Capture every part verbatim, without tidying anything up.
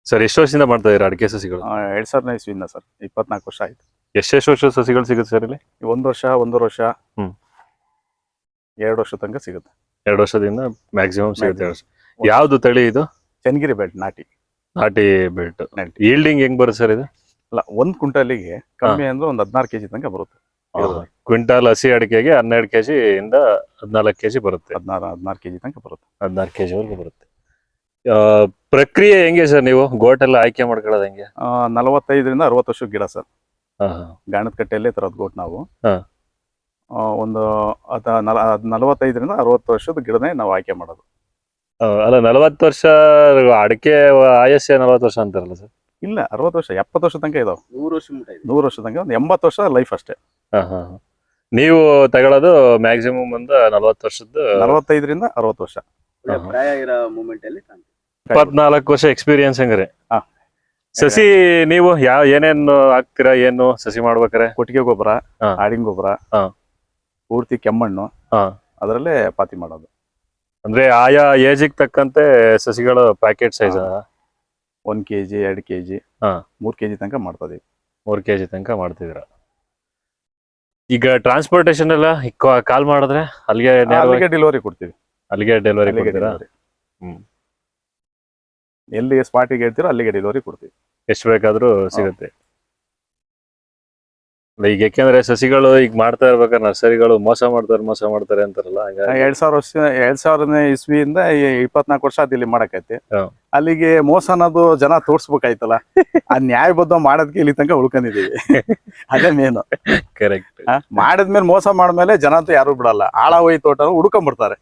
Sir ಎಷ್ಟು ವರ್ಷದಿಂದ ಮಾಡ್ತಾ ಇದ್ದೀರಾ ಅಡಿಕೆ ಸಸಿಗಳು? ಎರಡ್ ಸಾವಿರದ ಇಸ್ವಿಯಿಂದ ಸರ್, ಇಪ್ಪತ್ನಾಲ್ಕು ವರ್ಷ ಆಯ್ತು. ಎಷ್ಟೆಷ್ಟು ವರ್ಷ ಸಸಿಗಳು ಸಿಗುತ್ತೆ ಸರ್ ಇಲ್ಲಿ? ಒಂದು ವರ್ಷ, ಒಂದೂವರೆ ವರ್ಷ, ಹ್ಮ್ ಎರಡು ವರ್ಷ ತನಕ ಸಿಗುತ್ತೆ. ಎರಡು ವರ್ಷದಿಂದ ಮ್ಯಾಕ್ಸಿಮಮ್ ಸಿಗುತ್ತೆ. ಯಾವ್ದು ತಳಿ ಇದು? ಚನ್ನಗಿರಿ ಬೆಲ್ಟ್ ನಾಟಿ ನಾಟಿ ಬೆಲ್ಟ್. ನಾಟಿ ಈಲ್ಡಿಂಗ್ ಹೆಂಗ್ ಬರುತ್ತೆ ಸರ್ ಇದು? ಅಲ್ಲ, ಒಂದ್ ಕ್ವಿಂಟಲಿಗೆ ಕಮ್ಮಿ ಅಂದ್ರೆ ಒಂದ್ ಹದಿನಾರು ಕೆಜಿ ತನಕ ಬರುತ್ತೆ. ಕ್ವಿಂಟಾಲ್ ಹಸಿ ಅಡಿಕೆಗೆ ಹನ್ನೆರಡು ಕೆಜಿ ಇಂದ ಹದಿನಾಲ್ಕು ಕೆಜಿ ಬರುತ್ತೆ. ಹದಿನಾರು ಹದಿನಾರು ಕೆಜಿ ತನಕ ಬರುತ್ತೆ. ಹದಿನಾರು ಕೆಜಿ ವರೆಗೂ ಬರುತ್ತೆ. ಪ್ರಕ್ರಿಯೆ ಹೆಂಗೆ ಸರ್? ನೀವು ಗೋಟ್ ಎಲ್ಲ ಆಯ್ಕೆ ಮಾಡ್ಕೊಳ್ಳೋದು ಹೆಂಗೆ? ನಲವತ್ತೈದರಿಂದ ಅರವತ್ತು ವರ್ಷದ ಗಿಡ ಸರ್. ಹಾ ಗಾಣದ ಕಟ್ಟೆಯಲ್ಲೇ ತರೋದು ಗೋಟ್ ನಾವು. ಹಾ. ಆ, ಒಂದು ಅದ ನಲವತ್ತೈದರಿಂದ ಅರವತ್ತು ವರ್ಷದ ಗಿಡನೇ ನಾವು ಆಯ್ಕೆ ಮಾಡೋದು. ಅಲ್ಲ, ನಲವತ್ತು ವರ್ಷ ಅಡಿಕೆ ಆಯಸ್ಸೆ ನಲವತ್ತು ವರ್ಷ ಅಂತಾರಲ್ಲ ಸರ್? ಇಲ್ಲ, ಅರವತ್ತು ವರ್ಷ ಎಪ್ಪತ್ತು ವರ್ಷ ತನಕ ಇದಾವೆ. ನೂರು ವರ್ಷ ನೂರು ವರ್ಷ ತನಕ ಒಂದು ಎಂಬತ್ತು ವರ್ಷ ಲೈಫ್ ಅಷ್ಟೇ. ಹಾ ಹಾ. ನೀವು ತಗೊಳ್ಳೋದು ಮ್ಯಾಕ್ಸಿಮಮ್ ಒಂದು ನಲವತ್ತು ವರ್ಷದ ನಲವತ್ತೈದರಿಂದ ಅರವತ್ತು ವರ್ಷ ಪ್ರಾಯ ಇರೋ ಮೂಮೆಂಟ್ ಅಲ್ಲಿ ಇಪ್ಪತ್ನಾಲ್ಕು ವರ್ಷ ಎಕ್ಸ್ಪೀರಿಯನ್ಸ್ ಹಂಗಾರೆ. ಹಾ. ಸಸಿ ನೀವು ಯಾವ ಏನೇನು ಹಾಕ್ತೀರಾ? ಏನು ಸಸಿ ಮಾಡ್ಬೇಕಾರೆ? ಕೊಟ್ಟಿಗೆ ಗೊಬ್ಬರ, ಹಾ. ಆಡಿನ ಗೊಬ್ಬರ, ಹಾ. ಪೂರ್ತಿ ಕೆಮ್ಮಣ್ಣು, ಹಾ. ಅದರಲ್ಲೇ ಪಾತಿ ಮಾಡೋದು. ಅಂದ್ರೆ ಆಯಾ ಏಜಿಗೆ ತಕ್ಕಂತೆ ಸಸಿಗಳು ಪ್ಯಾಕೆಟ್ ಸೈಜ್ ಒಂದ್ ಕೆಜಿ, ಎರಡು ಕೆಜಿ, ಹಾ. ಮೂರ್ ಕೆಜಿ ತನಕ ಮಾಡ್ತದೆ. ಮೂರ್ ಕೆಜಿ ತನಕ ಮಾಡ್ತಿದ್ರ. ಈಗ ಟ್ರಾನ್ಸ್ಪೋರ್ಟೇಶನ್ ಎಲ್ಲ ಕಾಲ್ ಮಾಡಿದ್ರೆ ಅಲ್ಲಿಗೆ ಅಲ್ಲಿಗೆ ಡೆಲಿವರಿ ಕೊಡ್ತೀವಿ. ಅಲ್ಲಿಗೆ ಡೆಲಿವರಿ ಅಲ್ಲಿಗೆ ಕೊಡ್ತೀರಾ? ಡೆಲಿವರಿ. ಹ್ಮ್. ಎಲ್ಲಿ ಸ್ಪಾಟಿಗೆ ಹೇಳ್ತೀರೋ ಅಲ್ಲಿಗೆ ಡೆಲಿವರಿ ಕೊಡ್ತೀವಿ. ಎಷ್ಟು ಬೇಕಾದ್ರೂ ಸಿಗುತ್ತೆ. ಈಗ ಯಾಕೆಂದ್ರೆ ಸಸಿಗಳು ಈಗ ಮಾಡ್ತಾ ಇರ್ಬೇಕಾದ್ರೆ ನರ್ಸರಿಗಳು ಮೋಸ ಮಾಡ್ತಾರೆ ಮೋಸ ಮಾಡ್ತಾರೆ ಅಂತಾರಲ್ಲ. ಎರಡ್ ಸಾವಿರ ವರ್ಷ ಎರಡ್ ಸಾವಿರನೇ ಇಸ್ವಿಯಿಂದ ಇಪ್ಪತ್ನಾಲ್ಕು ವರ್ಷ ಅದ್ ಇಲ್ಲಿ ಮಾಡಕೈತಿ. ಹಾ. ಅಲ್ಲಿಗೆ ಮೋಸ ಅನ್ನೋದು ಜನ ತೋರ್ಸ್ಬೇಕಾಯ್ತಲ್ಲ. ಆ ನ್ಯಾಯಬದ್ಧ ಮಾಡೋದಕ್ಕೆ ಇಲ್ಲಿ ತನಕ ಉಳ್ಕೊಂಡಿದೀವಿ. ಅದೇ ಮೇನು. ಕರೆಕ್ಟ್. ಮಾಡಿದ್ಮೇಲೆ ಮೋಸ ಮಾಡ್ಮೇಲೆ ಜನ ಅಂತೂ ಯಾರು ಬಿಡಲ್ಲ. ಆಳ ಹೋಯ್ ತೋಟ ಹುಡ್ಕೊಂಡ್ಬಿಡ್ತಾರೆ.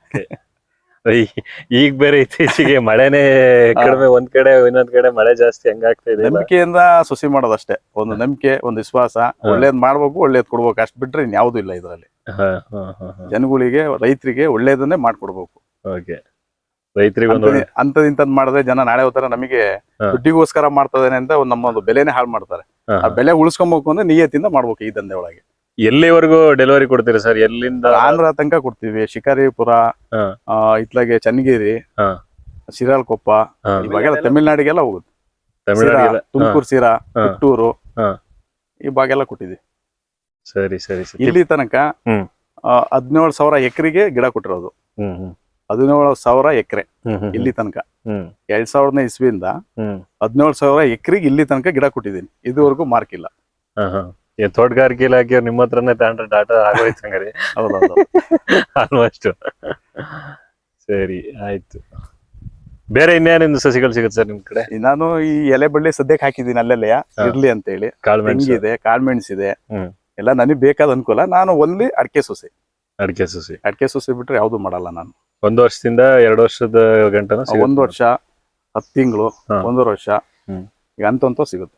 ಈಗ ಬೇರೆ ಇತ್ತೀಚೆಗೆ ಮಳೆನೇ ಕಡಿಮೆ, ಒಂದ್ ಕಡೆ ಇನ್ನೊಂದ್ ಕಡೆ ಮಳೆ ಜಾಸ್ತಿ ಹೆಂಗಾಗ್ತಾ ಇದೆ. ನಂಬಿಕೆಯಿಂದ ಸೊಸಿ ಮಾಡೋದಷ್ಟೇ. ಒಂದು ನಂಬಿಕೆ, ಒಂದು ವಿಶ್ವಾಸ, ಒಳ್ಳೇದ್ ಮಾಡ್ಬೇಕು, ಒಳ್ಳೇದ್ ಕೊಡ್ಬೇಕು, ಅಷ್ಟ್ ಬಿಟ್ರೆ ಇನ್ಯಾವುದೂ ಇಲ್ಲ ಇದ್ರಲ್ಲಿ. ಜನಗಳಿಗೆ, ರೈತರಿಗೆ ಒಳ್ಳೇದನ್ನೇ ಮಾಡ್ಕೊಡ್ಬೇಕು. ರೈತರಿಗೆ ಅಂತದ್ ಇಂತದ್ ಮಾಡಿದ್ರೆ ಜನ ನಾಳೆ ಹೋಗ್ತಾರ ನಮಗೆ ದುಡ್ಡಿಗೋಸ್ಕರ ಮಾಡ್ತದೇನೆ ಅಂತ ಒಂದ್ ನಮ್ಮೊಂದು ಬೆಲೆನೇ ಹಾಳು ಮಾಡ್ತಾರೆ. ಆ ಬೆಲೆ ಉಳಿಸ್ಕೊಬೇಕು ಅಂದ್ರೆ ನಿಯತ್ತಿಂದ ಮಾಡ್ಬೇಕು ಈ ದಂಧೆ ಒಳಗೆ. ಎಲ್ಲಿವರೆಗೂ ಡೆಲಿವರಿ ಕೊಡ್ತೀರಾ ಸರ್? ಎಲ್ಲಿಂದ? ಆಂಧ್ರ ತನಕ ಕೊಡ್ತೀವಿ. ಶಿಕಾರಿಪುರ, ಇತ್ಲಾಗೆ ಚನ್ನಗಿರಿ, ಶಿರಾಳಕೊಪ್ಪ, ಇವಾಗೆಲ್ಲ ತಮಿಳ್ನಾಡಿಗೆಲ್ಲ ಹೋಗುತ್ತೆ. ತುಮಕೂರು, ಸಿರಾ, ಪುತ್ತೂರು, ಈ ಭಾಗೆಲ್ಲ ಕೊಟ್ಟಿದ್ವಿ. ಸರಿ ಸರಿ. ಇಲ್ಲಿ ತನಕ ಹದಿನೇಳು ಸಾವಿರ ಎಕರೆಗೆ ಗಿಡ ಕೊಟ್ಟಿರೋದು. ಹದಿನೇಳು ಸಾವಿರ ಎಕರೆ ಇಲ್ಲಿ ತನಕ. ಎರಡ್ ಸಾವಿರದ ಇಸ್ವಿಯಿಂದ ಹದಿನೇಳು ಸಾವಿರ ಎಕರೆಗೆ ಇಲ್ಲಿ ತನಕ ಗಿಡ ಕೊಟ್ಟಿದ್ದೀನಿ. ಇದುವರೆಗೂ ಮಾರ್ಕ್ ಇಲ್ಲ. ತೋಟಗಾರಿಕೆ ಇಲಾಖೆ ನಿಮ್ಮ ಹತ್ರನೇ ತಗೊಂಡ್ರೆ ಡಾಟಾ ಆಗೋಯ್ತು ಹಂಗಾರೆ. ಹೌದೌದು. ಆಲ್ಮೋಸ್ಟ್. ಸರಿ, ಆಯ್ತು. ಬೇರೆ ಇನ್ನೇನಿಂದ ಸಸಿಗಳು ಸಿಗುತ್ತೆ ಸರ್ ನಿಮ್ ಕಡೆ? ನಾನು ಈ ಎಲೆ ಬಳ್ಳಿ ಸದ್ಯಕ್ಕೆ ಹಾಕಿದ್ದೀನಿ ಅಲ್ಲೆಲ್ಲ ಇರ್ಲಿ ಅಂತ ಹೇಳಿ. ತೆಂಗಿದೆ, ಕಾಳ್ಮೆಣ್ಸ್ ಇದೆ, ಎಲ್ಲ ನನಗೆ ಬೇಕಾದ ಅನುಕೂಲ. ನಾನು ಒಂದ್ಲಿ ಅಡಿಕೆ ಸೊಸೆ ಅಡಿಕೆ ಸಸಿ ಅಡಿಕೆ ಸೊಸೆ ಬಿಟ್ರೆ ಯಾವ್ದು ಮಾಡಲ್ಲ ನಾನು. ಒಂದು ವರ್ಷದಿಂದ ಎರಡು ವರ್ಷದ ಗಂಟನ? ಒಂದು ವರ್ಷ, ಹತ್ತು ತಿಂಗಳು, ಒಂದೂವರೆ ವರ್ಷ, ಈಗ ಅಂತಂತ ಸಿಗುತ್ತೆ.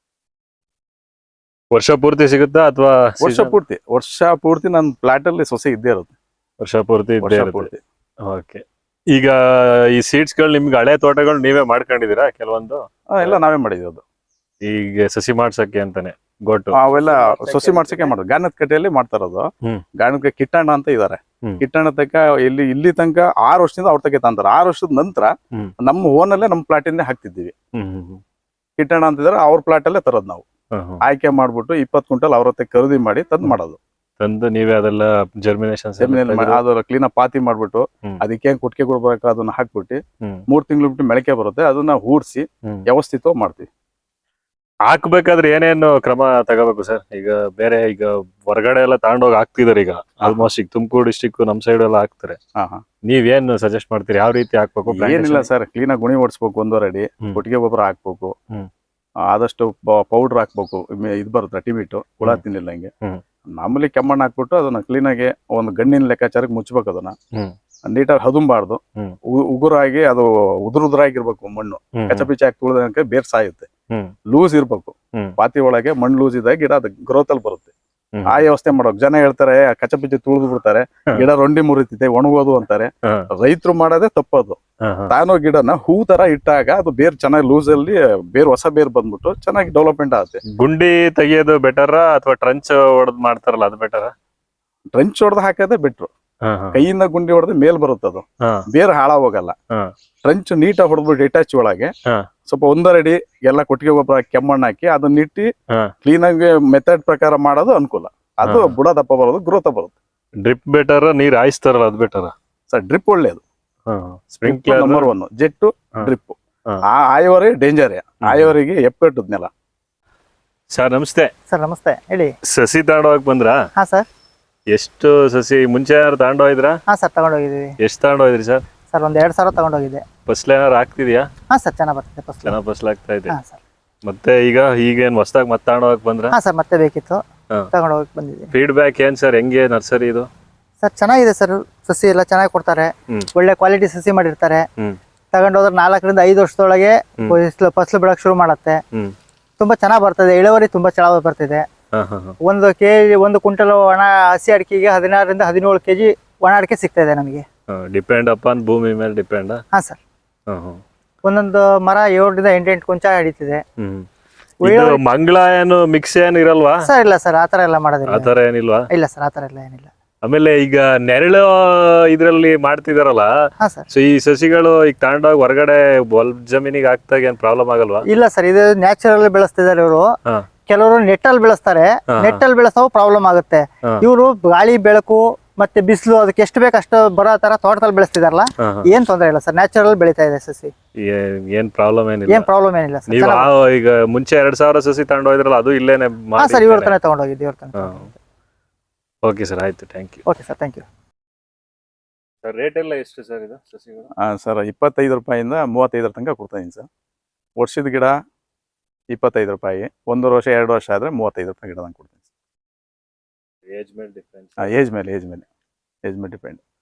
ವರ್ಷ ಪೂರ್ತಿ ಸಿಗುತ್ತಾ ಅಥವಾ? ವರ್ಷ ಪೂರ್ತಿ ವರ್ಷ ಪೂರ್ತಿ ನನ್ನ ಪ್ಲಾಟ್ ಅಲ್ಲಿ ಸೊಸೆ ಇದ್ದೇ ಇರುತ್ತೆ. ವರ್ಷ ಪೂರ್ತಿ ಇದ್ದೇ ಇರುತ್ತೆ. ಓಕೆ. ಈಗ ಈ ಸೀಡ್ಸ್ ಗಳು ನಿಮ್ಗೆ ಹಳೆ ತೋಟಗಳು ನೀವೇ ಮಾಡ್ಕೊಂಡಿದೀರಾ ಕೆಲವೊಂದು? ಎಲ್ಲ ನಾವೇ ಮಾಡಿರೋದು. ಈಗ ಸಸಿ ಮಾಡ್ಸಕ್ಕೆ ಅಂತಾನೆ ಗೊಟ್ಟು ಅವೆಲ್ಲ ಸೊಸಿ ಮಾಡ್ಸಕ್ಕೆ ಮಾಡೋದು. ಗಾಣದ ಕಟ್ಟೆಯಲ್ಲಿ ಮಾಡ್ತಾ ಇರೋದು. ಗಾಣದ ಕಿಟ್ಟಣ್ಣ ಅಂತ ಇದಾರೆ. ಕಿಟ್ಟಣ್ಣ ತನಕ ಇಲ್ಲಿ ಇಲ್ಲಿ ತನಕ ಆರು ವರ್ಷದಿಂದ ಅವ್ರ ತನಕ ತಂತಾರೆ. ಆರು ವರ್ಷದ ನಂತರ ನಮ್ಮ ಓನಲ್ಲೇ ನಮ್ಮ ಪ್ಲಾಟ್ ಇಂದ ಹಾಕ್ತಿದ್ದೀವಿ. ಕಿಟ್ಟಣ್ಣ ಅಂತಿದಾರೆ, ಅವ್ರ ಪ್ಲಾಟ್ ಅಲ್ಲೇ ತರೋದು ನಾವು. ಆಯ್ಕೆ ಮಾಡ್ಬಿಟ್ಟು ಇಪ್ಪತ್ತು ಕ್ವಿಂಟಲ್ ಅವ್ರ ಹತ್ರ ಖರೀದಿ ಮಾಡಿ ತಂದು ಮಾಡೋದು. ತಂದು ನೀವೇ ಅದೆಲ್ಲ ಜರ್ಮಿನೇಷನ್ ಅದರ ಕ್ಲೀನ್ ಪಾತಿ ಮಾಡ್ಬಿಟ್ಟು ಅದಕ್ಕೆ ಕುಟ್ಕೆ ಕೊಡ್ಬೇಕು, ಅದನ್ನ ಹಾಕ್ಬಿಟ್ಟು ಮೂರ್ ತಿಂಗಳು ಬಿಟ್ಟು ಮೊಳಕೆ ಬರುತ್ತೆ. ಅದನ್ನ ಹೂಡ್ಸಿ ವ್ಯವಸ್ಥಿತವಾಗಿ ಮಾಡ್ತೀವಿ. ಹಾಕ್ಬೇಕಾದ್ರೆ ಏನೇನು ಕ್ರಮ ತಗೋಬೇಕು ಸರ್? ಈಗ ಬೇರೆ ಈಗ ಹೊರಗಡೆ ಎಲ್ಲ ತಗೊಂಡೋಗಿ ಹಾಕ್ತಿದಾರೆ. ಈಗ ಆಲ್ಮೋಸ್ಟ್ ಈಗ ತುಮಕೂರು ಡಿಸ್ಟಿಕ್ ನಮ್ ಸೈಡ್ ಎಲ್ಲ ಹಾಕ್ತಾರೆ. ನೀವೇನ್ ಸಜೆಸ್ಟ್ ಮಾಡ್ತೀರಿ? ಯಾವ ರೀತಿ ಹಾಕ್ಬೇಕು? ಏನಿಲ್ಲ ಸರ್, ಕ್ಲೀನ್ ಆಗಿ ಗುಣಿ ಓಡಿಸ್ಬೇಕು. ಒಂದೂವರೆ ಅಡಿ ಕೊಟ್ಟಿಗೆ ಗೊಬ್ಬರ ಹಾಕ್ಬೇಕು. ಆದಷ್ಟು ಪೌಡರ್ ಹಾಕ್ಬೇಕು. ಇದು ಬರುತ್ತೆ ಟಿಮಿಟು, ಹುಳ ತಿನ್ನಿಲ್ಲ ಹಂಗೆ. ಮಾಮೂಲಿ ಕೆಮ್ಮಣ್ಣು ಹಾಕ್ಬಿಟ್ಟು ಅದನ್ನ ಕ್ಲೀನ್ ಆಗಿ ಒಂದು ಗಣ್ಣಿನ ಲೆಕ್ಕಾಚಾರಕ್ಕೆ ಮುಚ್ಚಬೇಕು. ಅದನ್ನ ನೀಟಾಗಿ ಹದುಂಬಾರ್ದು. ಉಗುರಾಗಿ ಅದು ಉದುರು ಉದುರಾಗಿರ್ಬೇಕು ಮಣ್ಣು. ಕಚಪಿಚ ಹಾಕಿ ತುಳಿದಂಗೆ ಬೇರ್ ಸಾಯುತ್ತೆ. ಲೂಸ್ ಇರ್ಬೇಕು ಪಾತಿ ಒಳಗೆ. ಮಣ್ಣು ಲೂಸ್ ಇದ್ದಾಗ ಗಿಡ ಅದು ಗ್ರೋತ್ ಅಲ್ಲಿ ಬರುತ್ತೆ. ಆ ವ್ಯವಸ್ಥೆ ಮಾಡೋಕ್ ಜನ ಹೇಳ್ತಾರೆ ಕಚಪಿಚಿ ತುಳಿದು ಬಿಡ್ತಾರೆ, ಗಿಡ ರೊಂಡಿ ಮುರಿತಿದೆ, ಒಣಗೋದು ಅಂತಾರೆ. ರೈತರು ಮಾಡೋದೇ ತಪ್ಪದು. ತಾನೋ ಗಿಡನ ಹೂ ತರ ಇಟ್ಟಾಗ ಅದು ಬೇರ್ ಚೆನ್ನಾಗಿ ಲೂಸ್ ಅಲ್ಲಿ ಬೇರ್ ಹೊಸ ಬೇರ್ ಬಂದ್ಬಿಟ್ಟು ಚೆನ್ನಾಗಿ ಡೆವಲಪ್ಮೆಂಟ್ ಆಗುತ್ತೆ. ಗುಂಡಿ ತೆಗಿಯೋದು ಬೆಟರ್ ಅಥವಾ ಟ್ರಂಚ್ ಹೊಡೆದ್ ಮಾಡ್ತಾರಲ್ಲ ಅದು ಬೆಟರ್? ಟ್ರಂಚ್ ಹೊಡೆದ್ ಹಾಕೋದೇ ಬೆಟ್ರು. ಕೈಯಿಂದ ಗುಂಡಿ ಹೊಡೆದು ಮೇಲ್ ಬರುತ್ತೆ. ಅದು ಬೇರೆ ಹಾಳ ಹೋಗಲ್ಲ. ಟ್ರಂಚ್ ನೀಟಾಗಿ ಹೊಡೆದ್ಬಿಟ್ಟು ಇಟಾಚಿ ಒಳಗೆ ಸ್ವಲ್ಪ ಒಂದರಡಿ ಎಲ್ಲ ಕೊಟ್ಟಿಗೆ ಗೊಬ್ಬರ ಹಾಕಿ ಕೆಮ್ಮಣ್ಣು ಹಾಕಿ ಅದನ್ನ ಇಟ್ಟು ಹಾ. ಕ್ಲೀನ್ ಆಗಿ ಮೆಥಡ್ ಪ್ರಕಾರ ಮಾಡೋದು ಅನುಕೂಲ. ಅದು ಹಾ. ಬುಡ ದಪ್ಪ ಬರೋದು, ಗ್ರೋತ್ ಬರುತ್ತೆ. ಡ್ರಿಪ್ ಬೆಟರ್, ನೀರ್ ಹಾಯಿಸ್ತಾರಲ್ಲ ಅದ್ ಬೆಟರ್? ಸರ್ ಡ್ರಿಪ್ ಒಳ್ಳೇದು, ಸ್ಪ್ರಿಂಕ್ಲರ್ ನಂಬರ್ ಒನ್. ಜೆಟ್ಟು ಹಾ. ಡ್ರಿಪ್ ಹಾ. ಆ ಆಯವರೇ ಡೇಂಜರ್. ಆಯವರಿಗೆ ಎಪ್ಪೆಟ್ಟದ್ನೆಲ್ಲ. ಸರ್ ನಮಸ್ತೆ. ಸರ್ ನಮಸ್ತೆ, ಹೇಳಿ. ಸಸಿ ತಗೊಂಡೋಗಕ್ ಬಂದ್ರಾ? ಹಾ ಸರ್. ಎಷ್ಟು ಸಸಿ ಮುಂಚೆ ಯಾರು ತಗೊಂಡೋಗಿದ್ರಾ? ಹಾ ಸರ್, ತಗೊಂಡೋಗಿದ್ದೀವಿ. ಎಷ್ಟು ತಗೊಂಡೋಗಿದ್ರಿ ಸರ್? ಸರ್ ಒಂದ್ ಎರಡ್ ಸಾವಿರ ತಗೊಂಡೋಗಿದ್ದೆ. ಫಸಲ್ ಏನಾರು ಆಗ್ತಿದ್ಯಾ? ಹಾ ಸರ್, ಚೆನ್ನಾಗಿ ಬರ್ತಿದೆ ಫಸಲು. ಚೆನ್ನಾಗ್ ಫಸಲ್ ಆಗ್ತಾ ಇದೆ. ಹಾ ಸರ್. ಮತ್ತೆ ಈಗ ಈಗೇನ್ ಹೊಸದಾಗಿ ಮತ್ತೆ ತಗೊಂಡೋಗಕ್ ಬಂದ್ರ? ಹಾ ಸರ್, ಮತ್ತೆ ಬೇಕಿತ್ತು, ಹಾ. ತಗೊಂಡೋಗಕ್ ಬಂದಿದ್ದೀನಿ. ಫೀಡ್ಬ್ಯಾಕ್ ಏನ್ ಸರ್, ಹೆಂಗೆ ನರ್ಸರಿ ಇದು? ಸರ್ ಚೆನ್ನಾಗಿದೆ ಸರ್, ಸಸಿ ಎಲ್ಲ ಚೆನ್ನಾಗಿ ಕೊಡ್ತಾರೆ. ಹ್ಮ್. ಒಳ್ಳೆ ಕ್ವಾಲಿಟಿ ಸಸಿ ಮಾಡಿರ್ತಾರೆ. ಹ್ಮ್ ತಗೊಂಡೋದ್ರೆ ನಾಲ್ಕರಿಂದ ಐದು ವರ್ಷದೊಳಗೆ ಹ್ಮ್. ಫಸಲು ಫಸಲು ಬಿಡಕ್ ಶುರು ಮಾಡುತ್ತೆ. ಹ್ಮ್ ತುಂಬಾ ಚೆನ್ನಾಗಿ ಬರ್ತದೆ, ಇಳುವರಿ ತುಂಬಾ ಚೆನ್ನಾಗಿ ಬರ್ತಿದೆ. ಹಾ ಹಾ ಹಾ. ಒಂದು ಕೆಜಿ ಒಂದು ಕ್ವಿಂಟಲ್ ಒಣ ಹಸಿ ಅಡಿಕೆಗೆ ಹದಿನಾರರಿಂದ ಹದಿನೇಳು ಕೆಜಿ ಒಣ ಅಡಿಕೆ ಸಿಗ್ತಾ ಇದೆ ನಮಗೆ. ಡಿಪೆಂಡ್ ಅಪಾನ್ ಭೂಮಿ ಮೇಲೆ ಡಿಪೆಂಡ್. ಹಾ ಸರ್. ಹಾ ಹಾ. ಒಂದೊಂದು ಮರ ಏಳರಿಂದ ಎಂಟೆಂಟು ಕೊಂಚ ಹಿಡಿತಿದೆ. ಹ್ಮ್ ಇದು ಮಂಗಳ ಏನು ಮಿಕ್ಸ್ ಏನು ಇರಲ್ವಾ? ಸರ್ ಇಲ್ಲ ಸರ್, ಆತರ ಎಲ್ಲ ಮಾಡೋದಿಲ್ಲ. ಆತರ ಏನಿಲ್ವಾ? ಇಲ್ಲ ಸರ್, ಆತರ ಎಲ್ಲ ಏನಿಲ್ಲ. ಆಮೇಲೆ ಈಗ ನೆರಳು ಇದ್ರಲ್ಲಿ ಮಾಡ್ತಿದಾರಲ್ಲ, ಹಾ ಸರ್. ಸೊ ಈ ಸಸಿಗಳು ಈಗ ತಗೊಂಡೋಗಿ ಹೊರಗಡೆ ಹೊಲ ಜಮೀನಿಗೆ ಹಾಕ್ದಾಗ ಏನ್ ಪ್ರಾಬ್ಲಮ್ ಆಗಲ್ವಾ? ಇಲ್ಲ ಸರ್, ಇದು ನ್ಯಾಚುರಲ್ ಬೆಳೆಸ್ತಿದ್ದಾರೆ ಇವರು. ಹಾ. ಕೆಲವರು ನೆಟ್ಟಲ್ಲಿ ಬೆಳೆಸ್ತಾರೆ, ಹಾ. ನೆಟ್ಟಲ್ಲಿ ಬೆಳೆಸೋ ಪ್ರಾಬ್ಲಮ್ ಆಗುತ್ತೆ. ಹಾ. ಇವರು ಗಾಳಿ ಬೆಳಕು ಮತ್ತೆ ಬಿಸಿಲು ಅದಕ್ಕೆ ಎಷ್ಟು ಬೇಕು ಅಷ್ಟು ಬರೋ ತರ ತೋಟದಲ್ಲಿ ಬೆಳೆಸ್ತಿದಾರಲ್ಲ, ಹಾ, ಹಾ. ಏನ್ ತೊಂದರೆ ಇಲ್ಲ ಸರ್, ನ್ಯಾಚುರಲ್ ಬೆಳೀತಾ ಇದೆ ಸಸಿ. ಏನ್- ಏನ್ ಪ್ರಾಬ್ಲಮ್ ಏನಿಲ್ಲ. ಏನ್ ಪ್ರಾಬ್ಲಮ್ ಏನಿಲ್ಲ ಸರ್. ನೀವು ಆ- ಈಗ ಮುಂಚೆ ಎರಡ್ ಸಾವಿರ ಸಸಿ ತಗೊಂಡೋಗಿದ್ರಲ್ಲ, ಅದು ಇಲ್ಲೇನೆ ಹಾ ಸರ್, ಇವ್ರ ತಾನೇ ತಗೊಂಡೋಗಿದ್ದು, ಇವ್ರ ತಾನೇ. ಓಕೆ ಸರ್, ಆಯ್ತು, thank you. Okay sir, thank you. Sir rate ಎಲ್ಲ ಎಷ್ಟು ಸರ್ ಇದು ಸಸಿಗಳು? ಹಾಂ ಸರ್, ಇಪ್ಪತ್ತೈದು ರೂಪಾಯಿಂದ ಮೂವತ್ತೈದರ ತನಕ ಕೊಡ್ತಾಯಿದ್ದೀನಿ ಸರ್. ವರ್ಷದ ಗಿಡ ಇಪ್ಪತ್ತೈದು ರೂಪಾಯಿ, ಒಂದೂವರೆ ವರ್ಷ ಎರಡು ವರ್ಷ ಆದರೆ ಮೂವತ್ತೈದು ರೂಪಾಯಿ ಗಿಡ ತಂದು ಕೊಡ್ತೀನಿ. ಏಜ್ ಮೇಲೆ ಡಿಫ್ರೆನ್ಸ್. ಹಾಂ, ಏಜ್ ಮೇಲೆ ಏಜ್ ಮೇಲೆ ಏಜ್ ಮೇಲೆ ಡಿಪೆಂಡ್.